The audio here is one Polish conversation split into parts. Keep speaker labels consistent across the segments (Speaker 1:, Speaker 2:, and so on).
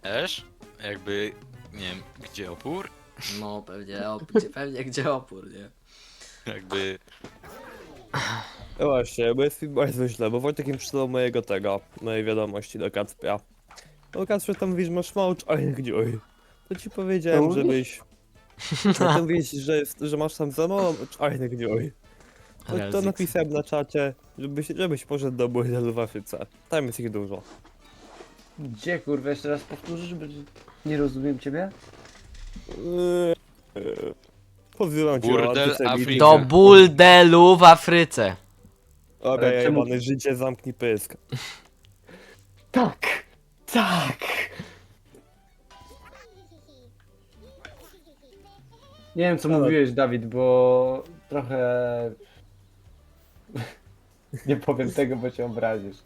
Speaker 1: Też? Jakby, nie wiem, gdzie opór?
Speaker 2: No pewnie, pewnie gdzie opór, nie?
Speaker 1: Jakby,
Speaker 3: No właśnie, bo jest mi bardzo źle, bo Wojtek mi przysłał mojej wiadomości do Kacpia. No Kacpia tam mówisz, masz mało czarnych dziur. To ci powiedziałem,
Speaker 4: mówisz?
Speaker 3: żebyś... No to mówisz, że masz tam za mało czarnych dziur. No to
Speaker 2: Rezix.
Speaker 3: napisałem na czacie, żebyś poszedł do burdelu w Afryce. Tam jest ich dużo.
Speaker 4: Gdzie kurwa, jeszcze raz powtórzysz, bo nie rozumiem ciebie?
Speaker 3: Pozywam cię o
Speaker 1: Burdel
Speaker 3: antysemityzm.
Speaker 1: Afryki.
Speaker 2: Do burdelu w Afryce.
Speaker 3: Okej,
Speaker 4: Ale czemu-
Speaker 3: jebane życie, zamknij pysk.
Speaker 4: Tak! Tak! Nie wiem co
Speaker 3: Ale-
Speaker 4: mówiłeś, Dawid, bo trochę... Nie powiem tego, bo cię obrazisz.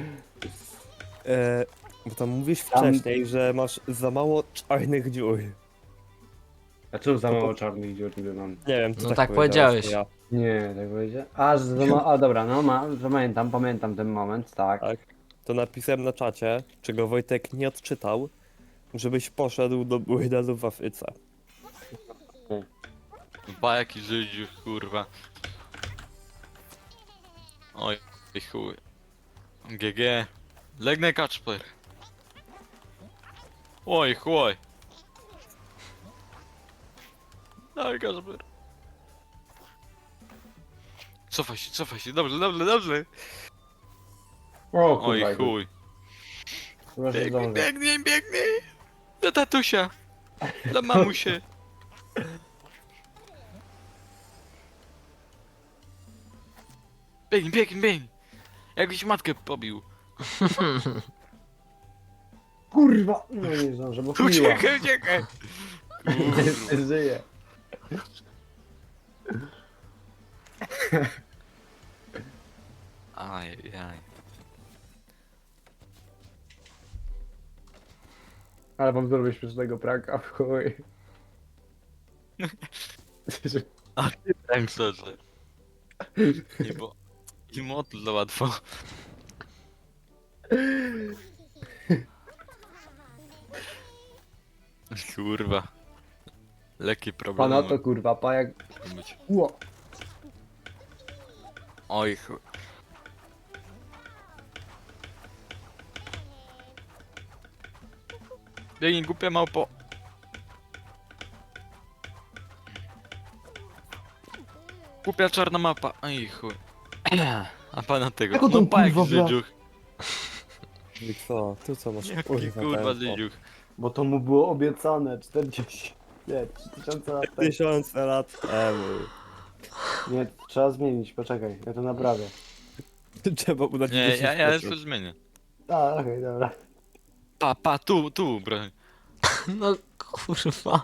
Speaker 3: Bo tam mówisz
Speaker 4: Tam-
Speaker 3: wcześniej, że masz za mało czarnych dziur.
Speaker 4: A czemu za
Speaker 3: To
Speaker 4: mało
Speaker 3: po-
Speaker 4: czarnych dziur niby mam?
Speaker 3: Nie wiem, co
Speaker 2: No tak
Speaker 3: powiedziałeś,
Speaker 2: powiedziałeś.
Speaker 3: to ja.
Speaker 4: Nie, tak powiedział. A, że za mało... A dobra, no pamiętam ten moment, tak.
Speaker 3: Tak. To napisałem na czacie, czego Wojtek nie odczytał, żebyś poszedł do burdelu w Afryce.
Speaker 1: bajaki Żydziu, kurwa. Oj, i chuj. GG. Legnę Kacper. Oj, chuj. Daj Kacper. Cofaj się, dobrze, dobrze, dobrze.
Speaker 4: O
Speaker 1: Oj,
Speaker 4: kurwa,
Speaker 1: chuj.
Speaker 4: chyba że
Speaker 1: Biegnij,
Speaker 4: zdążę.
Speaker 1: biegnij, biegnij. Do tatusia. Do mamusie. Biegnij, biegnij, biegnij. Jakbyś matkę pobił.
Speaker 4: Kurwa! No nie zdążę, bo chwiliła.
Speaker 1: Uciekaj, uciekaj.
Speaker 4: Nie żyje.
Speaker 1: Ajajaj.
Speaker 4: Ale wam zrobię śmiesznego pranka, w chuj.
Speaker 1: Tak szczerze. Nie bo... I motl za łatwo. Kurwa. Lekkie problemy.
Speaker 4: Pana to kurwa, pajak...
Speaker 1: mogą być.
Speaker 4: Ło!
Speaker 1: Oj chuj. Biegnij, głupia małpo. Głupia czarna mapa. Oj chuj. A pana tego.
Speaker 4: Jak on
Speaker 1: No
Speaker 4: tam,
Speaker 1: pajak
Speaker 4: kurwa, bra-
Speaker 1: Żydziuch.
Speaker 3: I co? Ty co masz?
Speaker 1: Jaki
Speaker 3: kurwa,
Speaker 1: kurwa
Speaker 3: tempo?
Speaker 1: Żydziuch.
Speaker 4: Bo to mu było obiecane 40... Nie, 3000 lat temu.
Speaker 3: 1000 lat temu.
Speaker 4: Nie, trzeba zmienić, poczekaj, ja to naprawię.
Speaker 3: Trzeba udać
Speaker 1: Nie,
Speaker 3: 10
Speaker 1: ja
Speaker 3: metrów.
Speaker 1: już zmienię.
Speaker 4: A, okej, dobra.
Speaker 1: Pa, tu, broń.
Speaker 2: No kurwa.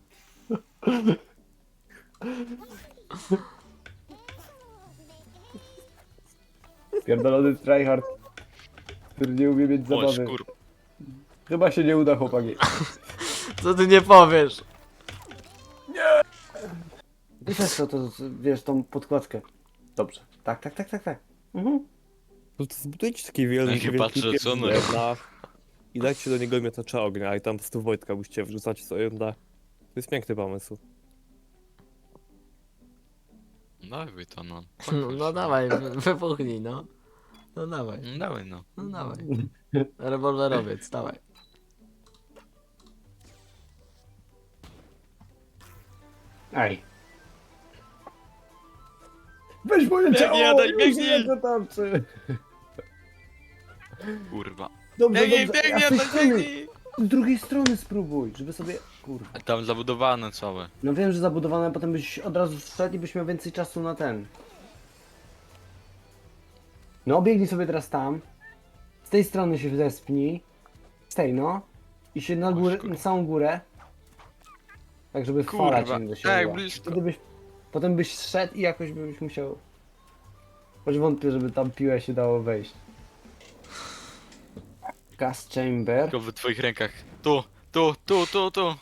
Speaker 4: Pierdolony tryhard, który nie umie mieć
Speaker 1: Oj,
Speaker 4: zabawy.
Speaker 1: skur...
Speaker 4: Chyba się nie uda, chłopaki.
Speaker 2: Co ty nie powiesz?
Speaker 4: Wiesz co, to wiesz, tą podkładkę. Dobrze. Tak. Mhm.
Speaker 3: No to zbudujcie taki
Speaker 1: No i
Speaker 3: wielki
Speaker 1: patrzę,
Speaker 3: piec
Speaker 1: co
Speaker 3: z
Speaker 1: no.
Speaker 3: drewna i dajcie do niego miotacza ognia i tam po prostu Wojtka musicie wrzucać sobie da. To jest piękny pomysł.
Speaker 1: Dawaj to no.
Speaker 2: No dawaj, wybuchnij, no. No dawaj,
Speaker 1: No dawaj no.
Speaker 2: no dawaj. Rewolwerowiec, dawaj.
Speaker 4: Ej. Weź moje
Speaker 1: Biegnij,
Speaker 4: ciało!
Speaker 1: Adaś,
Speaker 4: już
Speaker 1: biegnij!
Speaker 4: nie dotarczy.
Speaker 1: Kurwa.
Speaker 4: Dobrze,
Speaker 1: Biegnij,
Speaker 4: dobrze.
Speaker 1: biegnij,
Speaker 4: A z tej
Speaker 1: to
Speaker 4: strony,
Speaker 1: biegnij!
Speaker 4: z drugiej strony spróbuj, żeby sobie... Kurwa.
Speaker 1: A tam zabudowane całe.
Speaker 4: No wiem, że zabudowane, potem byś od razu wszedł i byś miał więcej czasu na ten. No, biegnij sobie teraz tam. Z tej strony się zespnij. Z tej, no. I się na górę, na samą górę. Tak, żeby fala
Speaker 1: Kurwa,
Speaker 4: cię do siebie.
Speaker 1: tak,
Speaker 4: była.
Speaker 1: blisko.
Speaker 4: Wtedy byś... Potem byś szedł i jakoś byś musiał... Choć wątpię, żeby tam piłę się dało wejść. Gas chamber.
Speaker 1: Tylko w twoich rękach. Tu.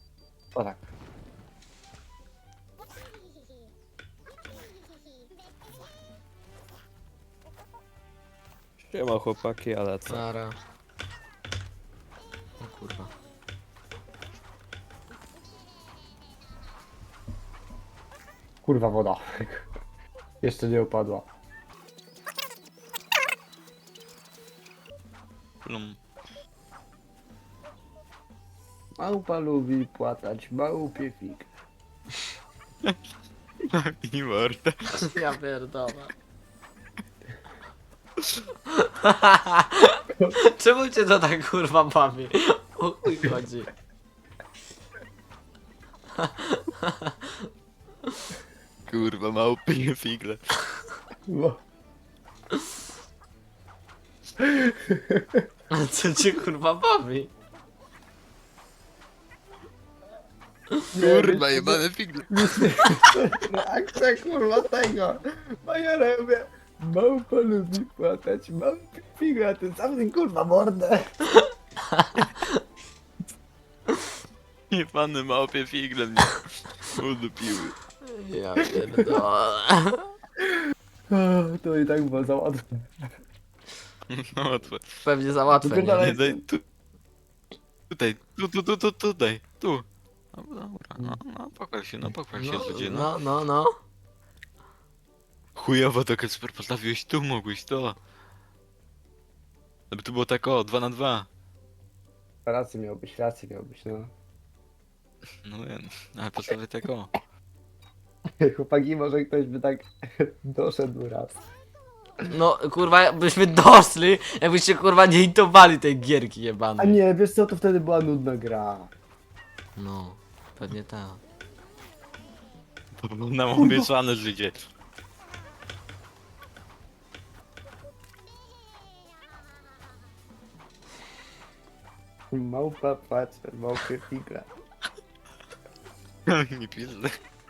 Speaker 4: O tak.
Speaker 3: Siema chłopaki, ale co?
Speaker 2: Nara. O kurwa.
Speaker 4: Kurwa woda. Jeszcze nie upadła.
Speaker 1: Plum.
Speaker 4: Małpa lubi płatać małpie fig.
Speaker 1: I mordę.
Speaker 2: Ja pierdolę. Czemu cię to tak kurwa bawi? O chuj chodzi.
Speaker 1: Kurwa, małpie figle.
Speaker 4: No.
Speaker 2: A co cię kurwa bawi?
Speaker 1: Kurwa, jebane figle.
Speaker 4: No akcja kurwa tego. Majora mówię, małpa lubi płatać małpie fig, a ty sam ty kurwa mordę.
Speaker 1: Jebane małpie figle mnie udupiły.
Speaker 2: Ja pierdolę.
Speaker 4: To i tak było za łatwe.
Speaker 1: No łatwo.
Speaker 2: Pewnie za łatwe, nie?
Speaker 4: Wypierdalaj.
Speaker 1: Nie, daj tu. Tutaj, tutaj, tu. No dobra, no pochwal się, ludzie, no.
Speaker 2: No.
Speaker 1: Chujowo to Kacper postawiłeś tu, mogłeś to. Żeby tu było tak o, 2 na 2.
Speaker 4: Rację miałbyś, no.
Speaker 1: No wiem, ale postawię tak o.
Speaker 4: Chłopaki, może ktoś by tak doszedł raz.
Speaker 2: No kurwa, byśmy doszli, jakbyście kurwa nie intowali tej gierki
Speaker 4: A
Speaker 2: jebanej.
Speaker 4: nie, wiesz co, to wtedy była nudna gra.
Speaker 2: No, pewnie tak.
Speaker 1: To było nam obiecane życie.
Speaker 4: Małpa płacze, małpie figle.
Speaker 1: Nie pizdę.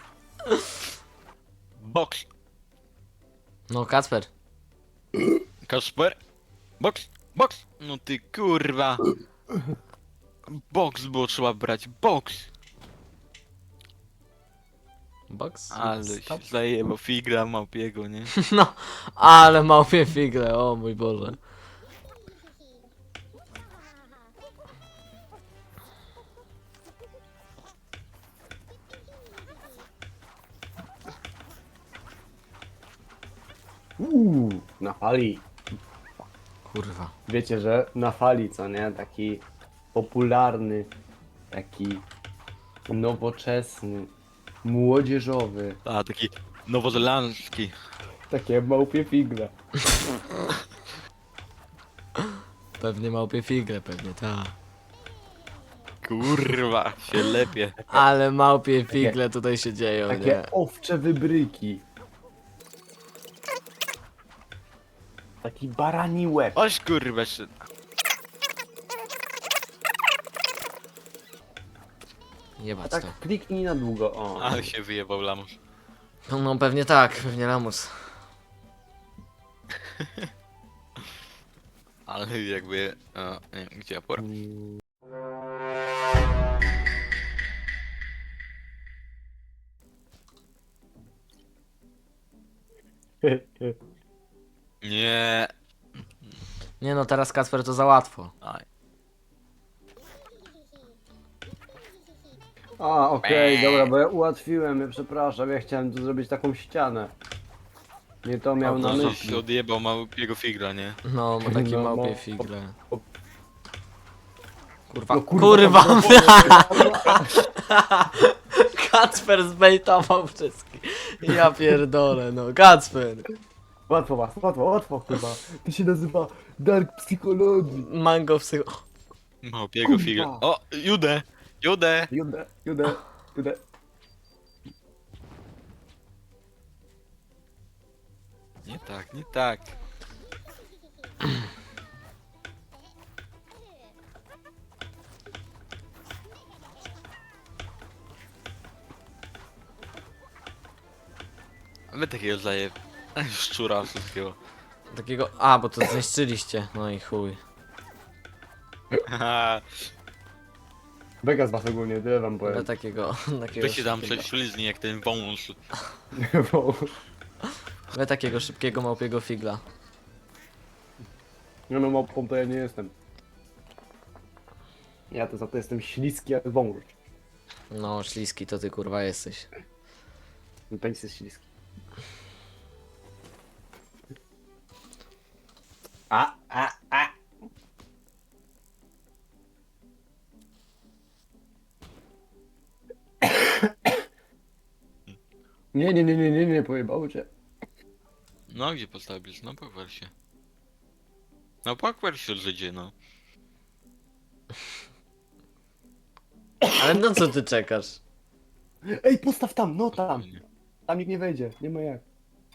Speaker 1: Boks.
Speaker 2: No Kacper.
Speaker 1: Kasper. Boks. No ty kurwa. Boks było trzeba brać, boks.
Speaker 2: Box?
Speaker 1: Ale
Speaker 2: Stop.
Speaker 1: się zajebał figra małpiego, nie?
Speaker 2: No, ale małpie figle, o mój Boże.
Speaker 4: Na fali.
Speaker 2: Kurwa.
Speaker 4: Wiecie, że na fali, co nie? Taki popularny, taki nowoczesny, młodzieżowy,
Speaker 1: A, taki nowozelandzki.
Speaker 4: takie małpie figle.
Speaker 2: Pewnie małpie figle, pewnie tak.
Speaker 1: Kurwa, się lepie.
Speaker 2: Ale małpie figle tutaj się dzieją, nie?
Speaker 4: Takie owcze wybryki. Taki barani łeb.
Speaker 1: Oś kurwa, się...
Speaker 2: Jebać
Speaker 4: Tak
Speaker 2: to.
Speaker 4: kliknij na długo, o.
Speaker 1: Ale się wyjebał lamus.
Speaker 2: No pewnie tak, pewnie lamus.
Speaker 1: Ale jakby... nie wiem, gdzie ja porę. Nie.
Speaker 2: Nie no, teraz Kacper to za łatwo.
Speaker 1: Aj.
Speaker 4: A, okej, dobra, bo ja ułatwiłem, ja przepraszam, ja chciałem tu zrobić taką ścianę. Nie to miał na
Speaker 1: No,
Speaker 4: myśli.
Speaker 1: się odjebał małpiego figla, nie?
Speaker 2: No, ma takie
Speaker 4: No,
Speaker 2: małpie
Speaker 4: no.
Speaker 2: figle. Kurwa,
Speaker 4: No
Speaker 2: kurwa!
Speaker 4: kurwa.
Speaker 2: Kacper zbejtował wszystkich. Ja pierdolę, no. Kacper!
Speaker 4: Łatwo was, łatwo, kurwa. To się nazywa Dark Psychologii.
Speaker 2: Mango psycho...
Speaker 1: Małpiego
Speaker 4: Kurwa.
Speaker 1: figla. O, Judę! Judę!
Speaker 4: Judę.
Speaker 1: Nie tak, nie tak. Wy takiego zajeb... szczura wszystkiego.
Speaker 2: Takiego... A, bo to zniszczyliście. No i chuj.
Speaker 1: Haha,
Speaker 4: Beka z was ogólnie, tyle wam
Speaker 2: Ale
Speaker 4: powiem.
Speaker 2: takiego...
Speaker 1: wy się tam prześlizni jak ten wąż.
Speaker 4: Bo-
Speaker 2: We takiego szybkiego małpiego figla.
Speaker 4: No małpą to ja nie jestem. Ja to za to jestem śliski jak wąż.
Speaker 2: No, śliski to ty kurwa jesteś.
Speaker 4: Ten penis jest śliski. A. Nie, pojebało cię.
Speaker 1: No, a gdzie postawisz? No, pochwal się. No, pochwal się, Żydzie, no.
Speaker 2: Ale no co ty czekasz?
Speaker 4: Ej, postaw tam, no tam.
Speaker 1: Spokojnie.
Speaker 4: Tam nikt nie wejdzie, nie ma jak.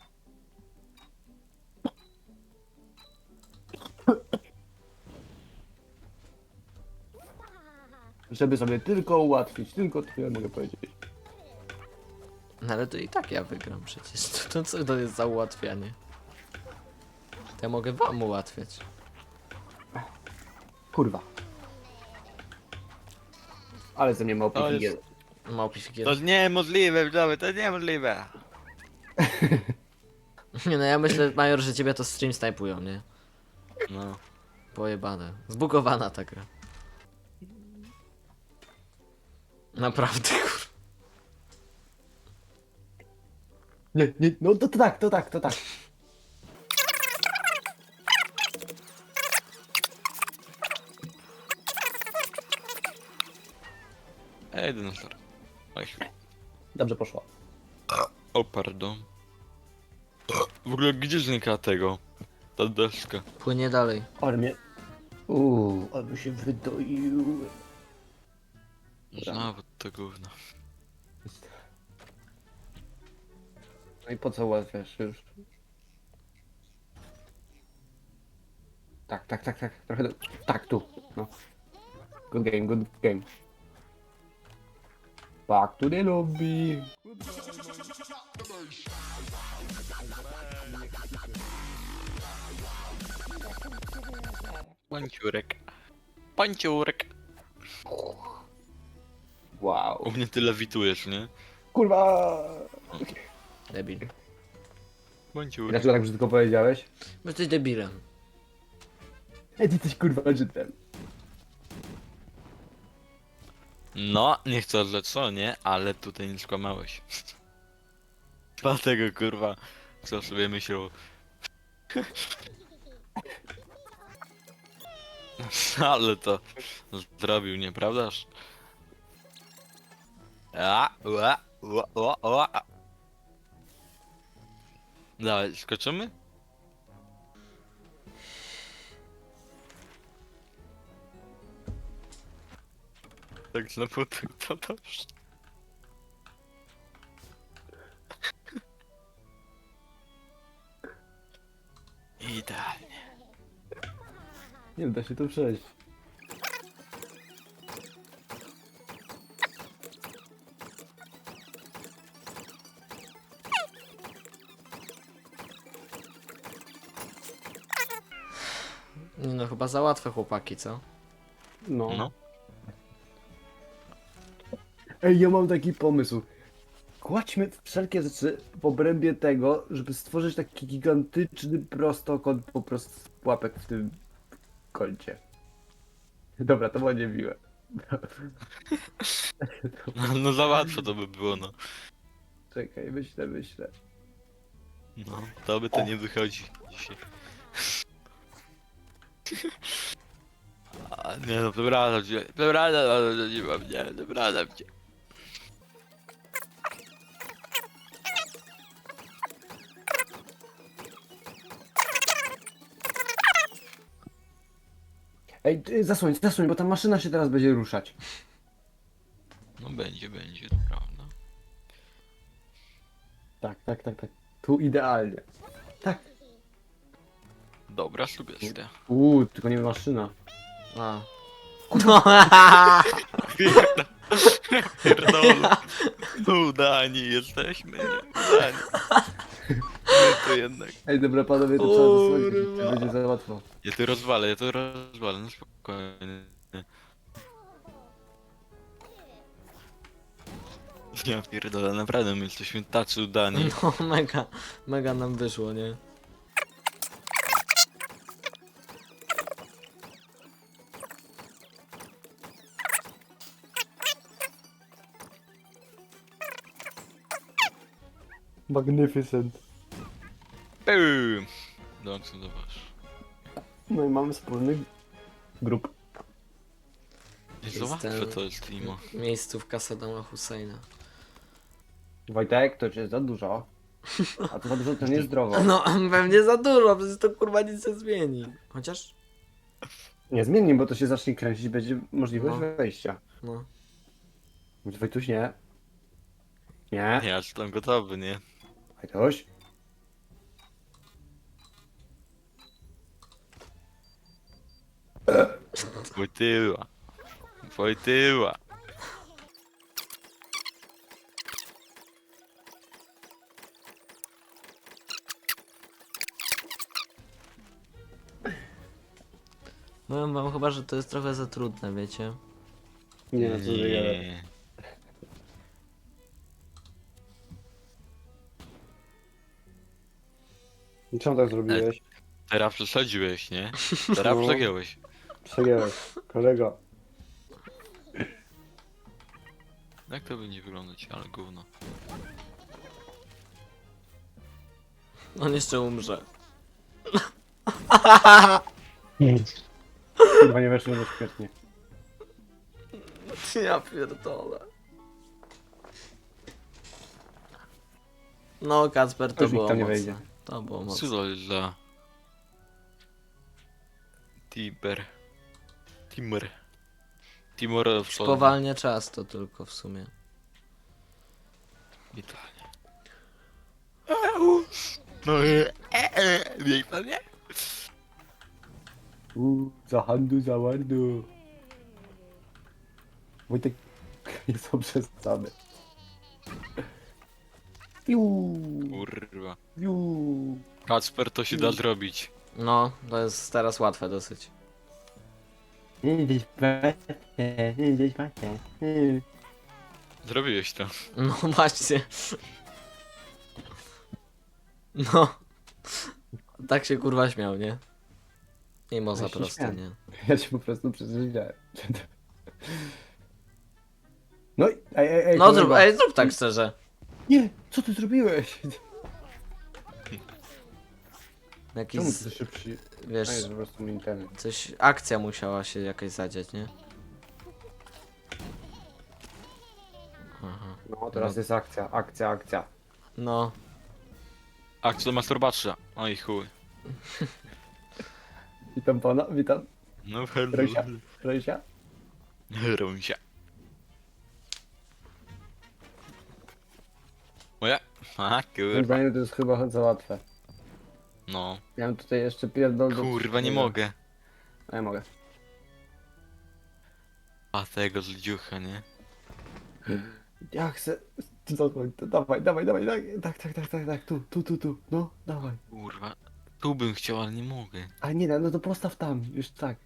Speaker 4: Żeby sobie tylko ułatwić, tylko tyle mogę powiedzieć.
Speaker 2: No ale to i tak ja wygram przecież. To co to jest za ułatwianie? To ja mogę wam ułatwiać.
Speaker 4: Kurwa. Ale ze mnie ma
Speaker 1: To jest-
Speaker 4: opieki.
Speaker 2: Małpi figiel.
Speaker 1: To niemożliwe, widzowie, to niemożliwe.
Speaker 2: Nie no ja myślę, Major, że ciebie to stream snajpują, nie?
Speaker 1: No.
Speaker 2: Pojebane. Zbugowana ta gra. Naprawdę, kur...
Speaker 4: Nie, no to tak.
Speaker 1: Dinosaur. Oj,
Speaker 4: Dobrze poszło.
Speaker 1: o, pardon. W ogóle gdzie znika tego? Ta deska.
Speaker 2: Płynie dalej.
Speaker 4: Ale mnie... ale się wydoił.
Speaker 1: Znowu to gówno.
Speaker 4: No i po co ułatwiasz już? Tak. Trochę do... Tak, tu. No. Good game. Back to the lobby.
Speaker 1: Panciurek. Panciurek.
Speaker 4: Wow.
Speaker 1: U mnie ty lewitujesz, nie?
Speaker 4: Kurwa!
Speaker 2: Debil.
Speaker 1: Panciurek.
Speaker 4: Dlaczego tak brzydko powiedziałeś?
Speaker 2: Bo jesteś debilem.
Speaker 4: Ej, ty jesteś kurwa Żydem.
Speaker 1: No, nie chcę że co, nie? Ale tutaj nie skłamałeś. Dlatego kurwa, co sobie myślał. Ale to zrobił, nieprawdaż? Dawaj, skoczymy? Tak znowu to dobrze. Idealnie.
Speaker 4: Nie da się tu przejść.
Speaker 2: Nie no, chyba za łatwe chłopaki, co?
Speaker 4: No.
Speaker 1: No.
Speaker 4: Ej, ja mam taki pomysł. Kładźmy wszelkie rzeczy w obrębie tego, żeby stworzyć taki gigantyczny prostokąt po prostu z pułapek w tym kącie. Dobra, to było niemiłe.
Speaker 1: No za łatwo to by było, no.
Speaker 4: Czekaj, myślę.
Speaker 1: No, to by to nie wychodzi dzisiaj. A, nie no, przepraszam cię, przepraszam cię.
Speaker 4: Ej, zasłoń, bo ta maszyna się teraz będzie ruszać.
Speaker 1: No będzie, to prawda.
Speaker 4: Tak. Tu idealnie. Tak.
Speaker 1: Dobra sugestia.
Speaker 4: Tylko nie maszyna.
Speaker 2: A.
Speaker 1: Pierdolę. Udani jesteśmy, udani. My to jednak.
Speaker 4: Ej, dobra panowie, to trzeba zasłonić, to będzie za łatwo.
Speaker 1: Ja to rozwalę, no spokojnie. Ja pierdolę, naprawdę my jesteśmy tacy udani.
Speaker 2: No mega nam wyszło, nie?
Speaker 4: Magnificent.
Speaker 1: Boom! Dołączam do was.
Speaker 4: No i mamy wspólny grup.
Speaker 1: Nie za łatwe to jest, Timo.
Speaker 2: Miejscówka Saddama Husseina.
Speaker 4: Wojtek, to jest za dużo. A to za dużo to niezdrowo.
Speaker 2: No, pewnie za dużo, przecież to kurwa nic nie zmieni. Chociaż,
Speaker 4: Nie zmieni, bo to się zacznie kręcić, będzie możliwość
Speaker 2: No.
Speaker 4: wejścia.
Speaker 2: no.
Speaker 4: Wojtuś, nie. Nie.
Speaker 1: Ja jestem gotowy, nie?
Speaker 4: Wojtuś.
Speaker 1: Wojtyła. Wojtyła.
Speaker 2: Powiem wam chyba, że to jest trochę za trudne, wiecie?
Speaker 4: Nie, no co ty gadasz.
Speaker 1: Nie.
Speaker 4: Czemu tak zrobiłeś?
Speaker 1: Teraz przesadziłeś, nie? Teraz
Speaker 4: No.
Speaker 1: przegiąłeś.
Speaker 4: Przegięłeś, kolego.
Speaker 1: Jak to będzie wyglądać, ale gówno.
Speaker 2: On jeszcze umrze.
Speaker 4: Chyba nie weszło bezpiecznie.
Speaker 2: Ja pierdolę. No, Kacper, to
Speaker 4: Już nikt
Speaker 2: było
Speaker 4: tam nie
Speaker 2: mocne.
Speaker 4: wejdzie.
Speaker 2: To było
Speaker 1: Co
Speaker 2: mocne.
Speaker 1: to jest za... Timor w
Speaker 2: Spowalnia czas to tylko w sumie.
Speaker 1: Italia. No nie pan nie?
Speaker 4: Za handu, za wardu. Wojtek jest obrzezany. Piu,
Speaker 1: Kurwa.
Speaker 4: piu.
Speaker 1: Kacper, to się da zrobić.
Speaker 2: No, to jest teraz łatwe dosyć.
Speaker 1: Zrobiłeś to.
Speaker 2: No właśnie. No. Tak się kurwa śmiał, nie? I moza
Speaker 4: Ja się
Speaker 2: prosto,
Speaker 4: śmiałem.
Speaker 2: nie?
Speaker 4: Ja cię po prostu przeżywiałem. No i ej,
Speaker 2: No
Speaker 4: kolego.
Speaker 2: zrób tak szczerze.
Speaker 4: Nie, co ty zrobiłeś?
Speaker 2: Jakiś,
Speaker 4: Czemu ty szybszy?
Speaker 2: wiesz,
Speaker 4: A jest po prostu Nintendo.
Speaker 2: coś, akcja musiała się jakaś zadziać, nie? Aha.
Speaker 4: No teraz jest akcja, akcja, akcja.
Speaker 2: No,
Speaker 1: Akcja masturbacja. Oj chuj.
Speaker 4: Witam pana, witam.
Speaker 1: No hello.
Speaker 4: Rysia, Rysia.
Speaker 1: Runsia. Moja? A
Speaker 4: Moim
Speaker 1: kurwa.
Speaker 4: zdaniem to jest chyba za łatwe.
Speaker 1: No.
Speaker 4: Ja mam tutaj jeszcze pierdol do...
Speaker 1: Kurwa, nie mogę.
Speaker 4: A ja mogę.
Speaker 1: A tego z dziucha, nie?
Speaker 4: Ja chcę... Zadzwoń, to dawaj, dawaj, dawaj, tak, tu, no, dawaj.
Speaker 1: Kurwa. Tu bym chciał, ale nie mogę.
Speaker 4: A nie, no to postaw tam, już tak.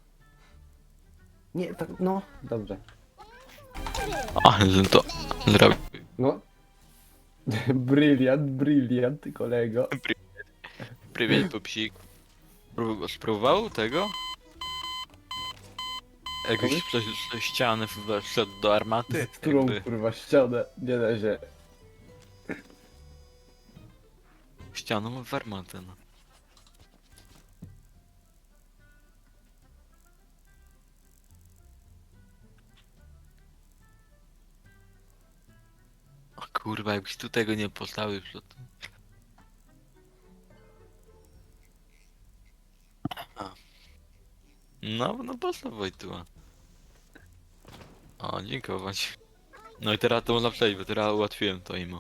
Speaker 4: Nie, tak, no, dobrze.
Speaker 1: Ale to zrobił.
Speaker 4: No. Bryliant, bryliant, kolego.
Speaker 1: Prywieć, pupsik. Spróbował tego? Jakbyś przez ścianę wszedł do armaty?
Speaker 4: Z którą,
Speaker 1: Jakby
Speaker 4: kurwa, ścianę, nie da się.
Speaker 1: ścianą w armatę, no. O kurwa, jakbyś tu tego nie postawił przed tym. A. No postaw Wojtuła. O, dziękować. No i teraz to można przejść, bo teraz ułatwiłem to imo.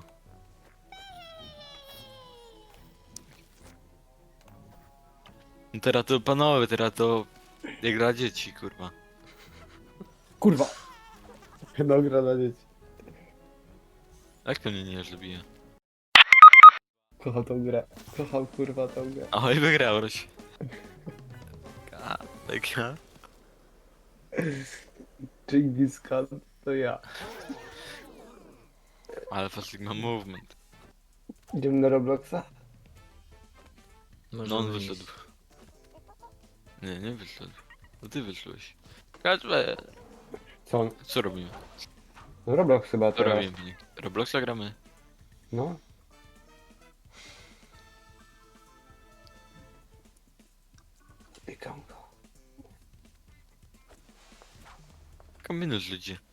Speaker 1: No teraz to panowie, teraz to jak dla dzieci, kurwa.
Speaker 4: Kurwa. No, gra na dzieci.
Speaker 1: Jak to mnie nie zabije?
Speaker 4: Kocham tą grę. Kocham, kurwa, tą grę.
Speaker 1: Oj, wygrałeś. Taka.
Speaker 4: Genghis Khan, to ja.
Speaker 1: Alpha Sigma Movement.
Speaker 4: Idziemy na Robloxa?
Speaker 2: możemy
Speaker 1: No on
Speaker 2: iść.
Speaker 1: wyszedł. Nie wyszedł. To ty wyszłeś. Kaczme,
Speaker 4: Co on?
Speaker 1: co robimy?
Speaker 4: No Roblox chyba
Speaker 1: Co
Speaker 4: teraz.
Speaker 1: robimy? Robloxa gramy?
Speaker 4: No. Dotykam go.
Speaker 1: Kombinuj ludzi.